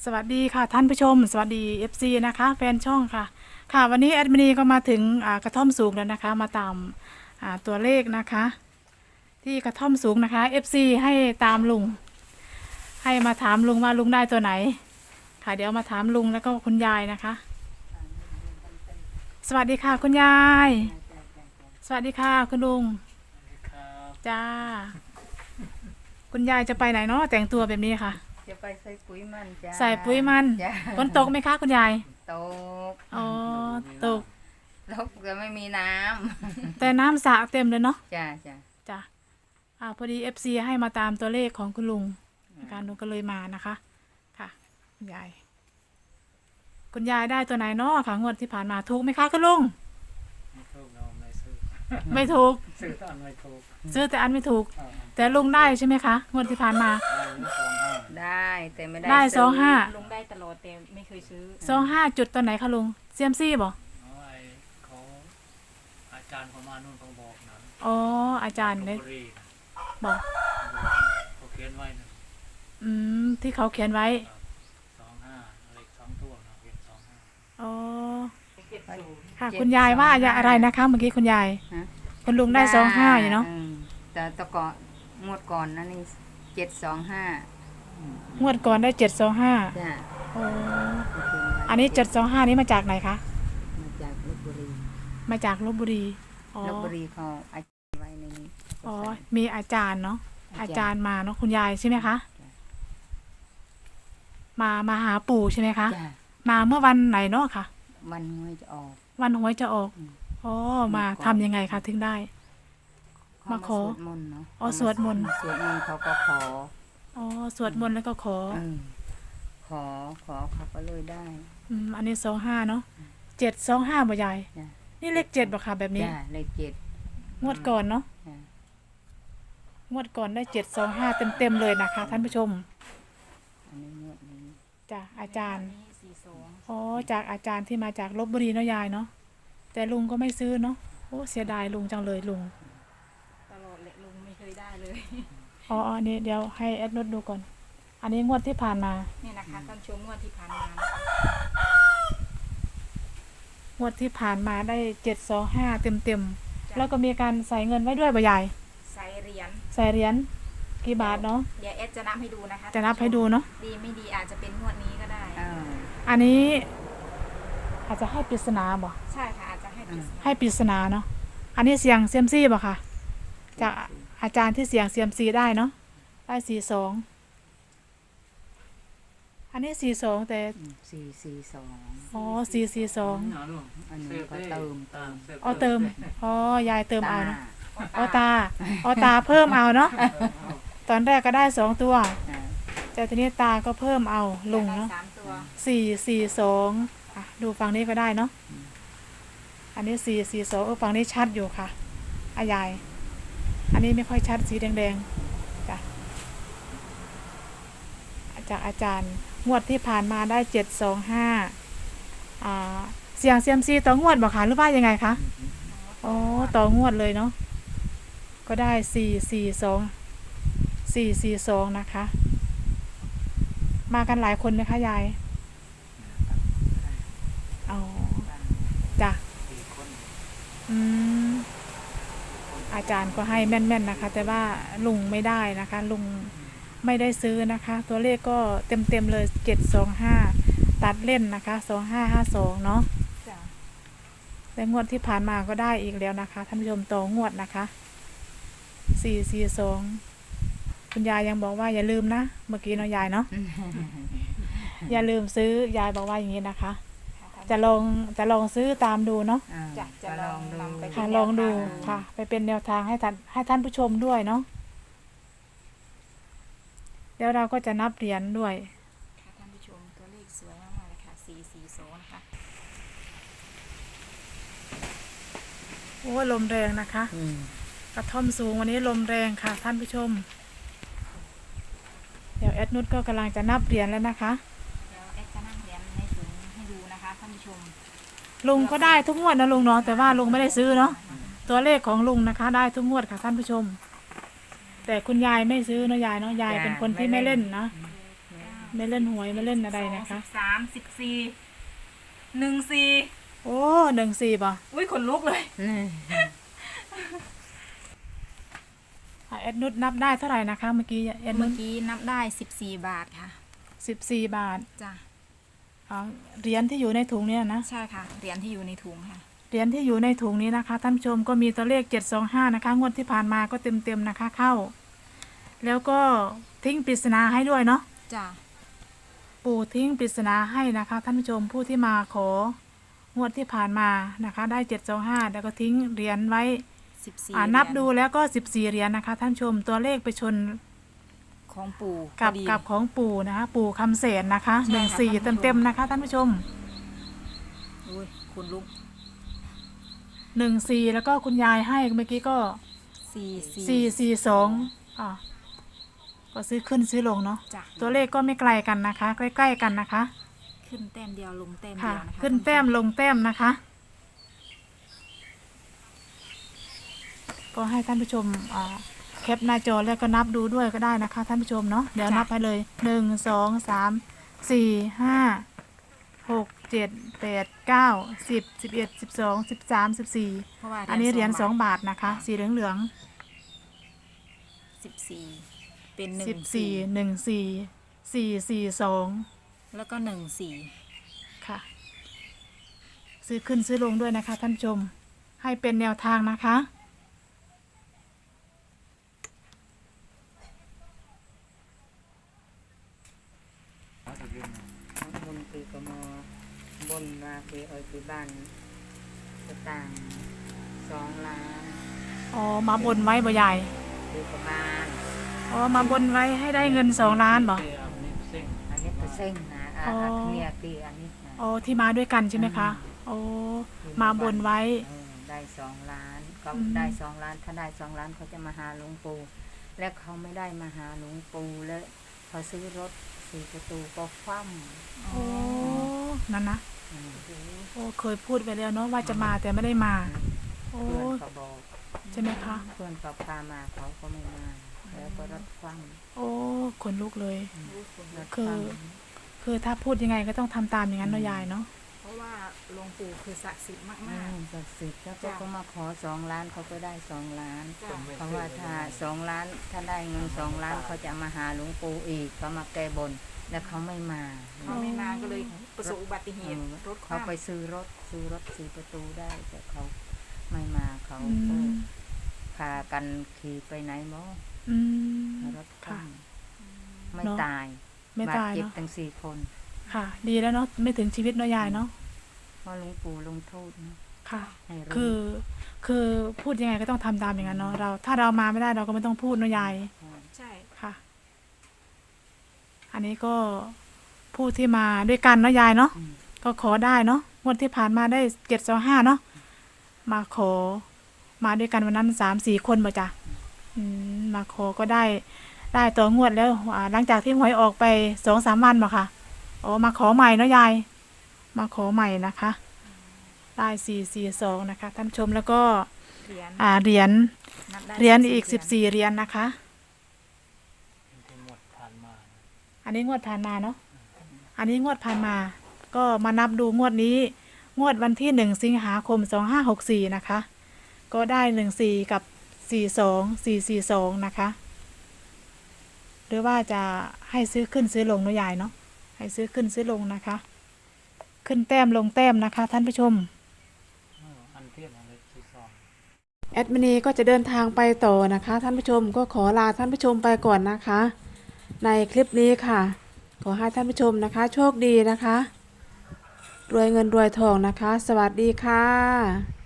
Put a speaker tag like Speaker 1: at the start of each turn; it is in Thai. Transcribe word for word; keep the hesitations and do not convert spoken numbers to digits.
Speaker 1: สวัสดีค่ะท่านผู้ชมสวัสดี เอฟ ซี นะคะแฟนช่องค่ะค่ะวันนี้แอดมินีก็มาถึงกระท่อมสูงแล้วนะคะมาตามตัวเลขนะคะที่กระท่อมสูงนะคะ เอฟ ซี ให้ตามลุงให้มาถามลุงว่าลุงได้ตัวไหนค่ะเดี๋ยวมาถามลุงแล้วก็คุณยายนะคะสวัสดีค่ะคุณยายสวัสดีค่ะคุณลุงจ้าคุณยายจะไปไหนเนาะแต่งตัวแบบนี้ค่ะ
Speaker 2: จะไปใส่ปุ๋ยมันจ้า
Speaker 1: ใส่ปุ๋ยมันฝนตกไหมคะคุณยาย
Speaker 2: ตก
Speaker 1: อ๋อตก
Speaker 2: ตกแต่ไม่มีน้
Speaker 1: ำแต่น้ำสระเต็มเลยเนาะ
Speaker 2: จ้าจ้า
Speaker 1: จ้าอ่าพอดี เอฟ ซี ให้มาตามตัวเลขของคุณลุงการลุงก็เลยมานะคะค่ะคุณยายคุณยายได้ตัวไหนเนาะค่ะงวดที่ผ่านมาถูกไหมคะคุณลุง
Speaker 3: ไม่ถูกเราไม่ซื้อ
Speaker 1: ไม่ถูก
Speaker 3: ซื้อแต่อันไม่ถูก
Speaker 1: ซื้อแต่อันไม่ถูกแต่ลุงได้ใช่ไหมคะงวดที่ผ่านมา
Speaker 2: ได้แต่ไม่ได้
Speaker 1: ได้สองห้า
Speaker 4: ลุงได้ตลอดแต่ไม่เคยซื้อ
Speaker 1: สองห้าจุดตัวไหนคะลุงเซียมซี่บ่
Speaker 3: เขาอาจารย์เขามานู่นเขาบอกนะ
Speaker 1: อ๋ออาจารย์เนี่ยบอก
Speaker 3: เขาเขียนไว้นะ
Speaker 1: อืมที่เขาเขียนไว้
Speaker 3: สองห้าเลขสองตัวนะเขียนสองห้า
Speaker 1: อ๋อค่ะคุณยายว่าอะไรนะคะเมื่อกี้คุณยายคุณลุงได้สองห้าอยู่เนาะ
Speaker 2: แต่ตะกอนงวดก่อนนั่นนี่เจ็ดสองห้าง
Speaker 1: วดก่อนได้เจ็ดสองห้า
Speaker 2: จ้ะ
Speaker 1: โอ้อันนี้เจ็ดสองห้านี้มาจากไหนคะ
Speaker 2: มาจากลพบุรี
Speaker 1: มาจากลพบุรี
Speaker 2: ลพบุรีเขาอาจารย์ไว้ในนี้
Speaker 1: อ๋อมีอาจารย์เนาะอาจารย์มาเนาะคุณยายใช่ไหมคะมามาหาปู่ใช่ไหมคะมาเมื่อวันไหนเนาะค่ะ
Speaker 2: วันหวยจะออก
Speaker 1: วันหวยจะออกอ๋อมาทำยังไงคะถึงได้มาขอ
Speaker 2: สวดมนต์เนาะ
Speaker 1: อ๋อสวดมนต์
Speaker 2: สวดมนต์เขาก็ขอ
Speaker 1: อ๋อสวดมนต์แล้วก็ขอ
Speaker 2: ขอขอเขาก็เลยได้
Speaker 1: อืมอันนี้สองห้าเนาะเจ็ดสองห้าบ่ยายนี่เลขเจ็ดบ่ค่ะแบบนี้
Speaker 2: เลขเจ็ด
Speaker 1: งวดก่อนเนาะงวดก่อนได้เจ็ดสองห้าเต็มเต็มเลยนะคะท่านผู้ชม
Speaker 2: อันนี้งวดนี้
Speaker 1: จากอาจารย์อ๋อจากอาจารย์ที่มาจากลพบุรีเนาะยายเนาะแต่ลุงก็ไม่ซื้อเนาะโอ้เสียดายลุงจังเลยลุง
Speaker 4: ตลอดเลยลุงไม่เคยได้เลย
Speaker 1: อ๋ออันนี้เดี๋ยวให้แอดนุชดูก่อนอันนี้งวดที่ผ่านมา
Speaker 4: เนี่ยนะคะท่านชมงวดที่ผ่านมา
Speaker 1: งวดที่ผ่านมาได้เจ็ดสองห้าเต็มเต็มแล้วก็มีการใส่เงินไว้ด้วยบ่ใหญ่
Speaker 4: ใส่เหรียญ
Speaker 1: ใส่เหรียญกี่บาทเนาะ
Speaker 4: เดี๋ยวแอดจะนับให้ดูนะคะ
Speaker 1: จะนับให้ดูเนาะ
Speaker 4: ดีไม่ดีอาจจะเป็นงวดนี้ก็ได้
Speaker 1: อันนี้อาจจะให้ปริศนาบ่
Speaker 4: ใช่ค่ะอาจจะให้ปริศนา
Speaker 1: ให้ปริศนาเนาะอันนี้เสียงเซียมซี่บ่ค่ะจากอาจารย์ที่เสียงเซียมซีได้เนาะได้สี่สองอันนี้สี่สองแต่
Speaker 2: สี่สี่สอง
Speaker 1: อ๋อสี่สี่สอง
Speaker 2: อันนี้ก็เติม
Speaker 1: อ๋อเติมอ๋อยายเติมเอาเนาะอ๋อตาอ๋อตาเพิ่มเอาเนาะตอนแรกก็ได้สองตัวแต่ทีนี้ตาก็เพิ่มเอาลุงเนาะสี่สี่สองอ่ะดูฝั่งนี้ก็ได้เนาะอันนี้สี่สี่สองเออฝั่งนี้ชัดอยู่ค่ะอายายอันนี้ไม่ค่อยชัดสีแดงๆจ้ะจากอาจารย์งวดที่ผ่านมาได้เจ็ดสองห้าอ่าเสียงเซียมซีต่องวดบอกค่ะหรือว่ายังไงคะอ๋อต่องวดเลยเนาะก็ได้สี่สี่สองสี่สี่สองนะคะมากันหลายคนไหมคะยายอ๋อจ้ะอืมอาจารย์ก็ให้แม่นๆนะคะแต่ว่าลุงไม่ได้นะคะลุงไม่ได้ซื้อนะคะตัวเลขก็เต็มๆเลยเจ็ดสองห้าตัดเล่นนะคะสองห้าห้าสองเนาะแต่งวดที่ผ่านมาก็ได้อีกแล้วนะคะท่านผู้ชมต่องวดนะคะสี่สี่สองคุณยายยังบอกว่าอย่าลืมนะเมื่อกี้เนาะยายเนาะ อย่าลืมซื้อยายบอกว่าอย่างนี้นะคะจะลองจะลองซื้อตามดูเนาะ
Speaker 4: จะจะลองนำไป
Speaker 1: ค่ะลองดูค่ะไปเป็นแนวทางให้ท่านให้ท่านผู้ชมด้วยเนาะเดี๋ยวเราก็จะนับเหรียญด้วย
Speaker 4: ค่ะท่านผู้ชมตัวเลขสวยมากเลยค่ะสี่สี่สองนะคะ
Speaker 1: โอ้ลมแรงนะคะกระท่อมสูงวันนี้ลมแรงค่ะท่านผู้ชมเดี๋ยวแอดนุชก็กำลังจะนับเหรียญแล้วนะคะ
Speaker 4: เดี๋ยวแอดจะนับเหรียญในถุงให้ดูนะคะท่านผู้ชม
Speaker 1: ลุงก็ได้ทุกงวดนะลุงเนาะแต่ว่าลุงไม่ได้ซื้อเนาะตัวเลขของลุงนะคะได้ทุกงวดค่ะท่านผู้ชมแต่คุณยายไม่ซื้อเนาะยายเนาะยายเป็นคนที่ไม่เล่นนะ
Speaker 4: เ
Speaker 1: ไม่เล่นหวยไม่เล่นอะไรนะคะ
Speaker 4: สามสิบสี่หนึ่งสี่
Speaker 1: โอ้หนึ่งสี่ป่ะ
Speaker 4: อุ้ยขนลุกเลย
Speaker 2: นี่
Speaker 1: อ่ะแอดนุชนับได้เท่าไหร่นะคะ เมื่อกี้แอดนุ
Speaker 4: เมื่อ
Speaker 1: ช
Speaker 4: กี้นับได้สิบสี่บาทค่ะ
Speaker 1: สิบสี่บาท
Speaker 4: จ้ะ
Speaker 1: อ๋อเหรียญที่อยู่ในถุงเนี่ยนะ
Speaker 4: ใช่ค่ะเหรียญที่อยู่ในถุงค่ะ
Speaker 1: เหรียญที่อยู่ในถุงนี้นะคะท่านผู้ชมก็มีตัวเลขเจ็ดสองห้านะคะงวดที่ผ่านมาก็เต็มเต็มๆนะคะเข้า แล้วก็ทิ้งปริศนาให้ด้วยเนาะ
Speaker 4: จ้ะ
Speaker 1: ปู่ทิ้งปริศนาให้นะคะท่านผู้ชมผู้ที่มาของวดที่ผ่านมานะคะได้เจ็ดสองห้าแล้วก็ทิ้งเหรียญไว้
Speaker 4: สิบสี่
Speaker 1: อ่านับดูแล้วก็สิบสี่เหรียญนะคะท่านผู้ชมตัวเลขไปชน
Speaker 4: ของปู่
Speaker 1: กับ
Speaker 4: พอดี
Speaker 1: กับของปู่นะคะปู่คำเสนนะคะ
Speaker 4: ใช่
Speaker 1: หนึ่ง
Speaker 4: ค่ะ
Speaker 1: สี่
Speaker 4: ท่านผู้ชม
Speaker 1: เต็มๆนะคะท่านผู้ชม
Speaker 4: อุ้ยขนลุก
Speaker 1: หนึ่งสี่แล้วก็คุณยายให้เมื่อกี้ก็
Speaker 4: สี่
Speaker 1: สี่สี่สองอ่าก็ซื้อขึ้นซื้อลงเนาะ
Speaker 4: จ้ะ
Speaker 1: ตัวเลขก็ไม่ไกลกันนะคะ ใกล้ๆกันนะคะ
Speaker 4: ขึ้นแต้มเดียวลงแต้ม
Speaker 1: ค่ะ
Speaker 4: เดียวนะคะ
Speaker 1: ขึ้นแต้มลงแต้มนะคะ ก็ให้ท่านผู้ชมอ่าแคปหน้าจอแล้วก็นับดูด้วยก็ได้นะคะ ท่านผู้ชมเนาะเดี๋ยวนับไปเลยหนึ่งสองสามสี่ห้าหกเจ็ดแปดเก้าสิบสิบเอ็ดสิบสองสิบสามสิบสี่
Speaker 4: เพราะว่า
Speaker 1: อันนี้เหรียญสอง
Speaker 4: บาท
Speaker 1: บาทนะคะ สีเหลืองเหลือง
Speaker 4: สิบสี่เป็นหนึ่
Speaker 1: สิบ
Speaker 4: ง
Speaker 1: สี่หนึ่งสี่สี่สี่สอง
Speaker 4: แล้วก็หนึ่งสี่
Speaker 1: ค่ะ ซื้อขึ้นซื้อลงด้วยนะคะ ท่านผู้ชมให้เป็นแนวทางนะคะ
Speaker 2: บนคือกมบนมาคือเอาที่บ้านสตางค์สองล้าน
Speaker 1: อ๋อมาบนไว้บ่ใหญ่
Speaker 2: คือประมาณ
Speaker 1: อ๋อมาบนไว้ให้ได้เงินสองล้านบ่
Speaker 3: เตะอันนี้เส้น
Speaker 2: อันนี้ก็เส้นนะอ่า
Speaker 1: อ๋อ
Speaker 2: อันเนี้ยคืออันนี้นะ
Speaker 1: อ๋อที่มาด้วยกันใช่ไหมคะโอ้มาบนไว้
Speaker 2: เออได้สองล้านก็
Speaker 1: อืม
Speaker 2: ได้สองล้านถ้าได้สองล้านเขาจะมาหาหลวงปู่และเขาไม่ได้มาหาหลวงปู่แล้วพอซื้อรถสี่ประตูก็คว่ำ
Speaker 1: โอ้นั่นนะ
Speaker 2: อืม
Speaker 1: โอ้เคยพูดไปแล้วเนาะว่าจะมาแต่ไม่ได้มา โอ้
Speaker 2: เพื่อนเขาบอก
Speaker 1: ใช่ไหมคะ
Speaker 2: เพื่อนเขาพามาเขาก็ไม่มาแล้วก็รถคว่
Speaker 1: โอ้ขนลุกเลย
Speaker 2: ำรถ
Speaker 1: คือ
Speaker 2: คว่
Speaker 1: คือถ้าพูดยังไงก็ต้องทำตามอย่างนั้นเนาะยายเนาะ
Speaker 4: เพราะว่าหลวงปู่คือศักดิ์สิทธิ์
Speaker 2: ำ
Speaker 4: มาก
Speaker 2: อืมศักดิ์สิทธิ์แล้วก็
Speaker 4: จ้ะ
Speaker 2: เขามาขอสองล้านเขาก็ได้สองล้าน
Speaker 4: ๆจ้ะ
Speaker 2: เพราะว่าถ้าสองล้านถ้าได้เงินสองล้านเขาจะมาหาหลวงปู่อีกเขามาแก้บนแล้วเขาไม่มา
Speaker 4: เขาไม่มาก็เลยประสบอุบัติเหตุรถค
Speaker 2: เขา
Speaker 4: ว่ำ
Speaker 2: ไปซื้อรถซื้อรถสี่ประตูได้แต่เขาไม่มาเขา
Speaker 1: อื
Speaker 2: ก็
Speaker 1: ม
Speaker 2: พากันขี่ไปไหนหมอ
Speaker 1: อืม
Speaker 2: รถค
Speaker 1: ค่ะ
Speaker 2: ว่ำไม่
Speaker 1: เนอะ
Speaker 2: ตาย
Speaker 1: ไม่
Speaker 2: บาด
Speaker 1: ตาย
Speaker 2: เจ็บ
Speaker 1: เนาะ
Speaker 2: ทั้งสี่คน
Speaker 1: ค่ะ ดีแล้วเนาะไม่ถึงชีวิตเนาะยายเนาะ
Speaker 2: เพราะหลวงปู่ลงโทษนะ
Speaker 1: ค่ะ
Speaker 2: ให้รู้
Speaker 1: คือคือพูดยังไงก็ต้องทำตามอย่างนั้นเนาะเราถ้าเรามาไม่ได้เราก็ไม่ต้องพูดเนาะยาย
Speaker 4: ใช่
Speaker 1: ค่ะ อันนี้ก็ผู้ที่มาด้วยกันเนาะยายเนาะ
Speaker 2: อืม
Speaker 1: ก็ขอได้เนาะงวดที่ผ่านมาได้เจ็ดสองห้าเนาะมาขอมาด้วยกันวันนั้นสามสี่คนบ่จ้ะอืมมาขอก็ได้ ได้ต่องวดแล้วอ่าหลังจากที่หวยออกไปสองสามวันบ่ค่ะอ๋อมาขอใหม่เนาะยาย มาขอใหม่นะคะ ได้สี่สี่สองนะคะท่านผู้ชมแล้วก็
Speaker 4: เหรียญ
Speaker 1: อ่าเหรียญ
Speaker 4: นับได้
Speaker 1: เหรียญอีก
Speaker 4: เห
Speaker 1: สิบสี่เหรียญนะคะ
Speaker 3: ที่หมดผ่านมา
Speaker 1: อันนี้งวดผ่านมาเนาะ อันนี้งวดผ่านมา ก็มานับดูงวดนี้ งวดวันที่หนึ่งสิงหาคมสองห้าหกสี่นะคะ ก็ได้หนึ่งสี่กับสี่สองสี่สี่สองนะคะ หรือว่าจะให้ซื้อขึ้นซื้อลงเนาะยายเนาะ ให้ซื้อขึ้นซื้อลงนะคะ ขึ้นแต้มลงแต้มนะคะ ท่านผู้ชม
Speaker 3: เอออันเทียบอะไรที่สอง
Speaker 1: แอดมินีก็จะเดินทางไปต่อนะคะ ท่านผู้ชมก็ขอลาท่านผู้ชมไปก่อนนะคะ ในคลิปนี้ค่ะ ขอให้ท่านผู้ชมนะคะ โชคดีนะคะ รวยเงินรวยทองนะคะ สวัสดีค่ะ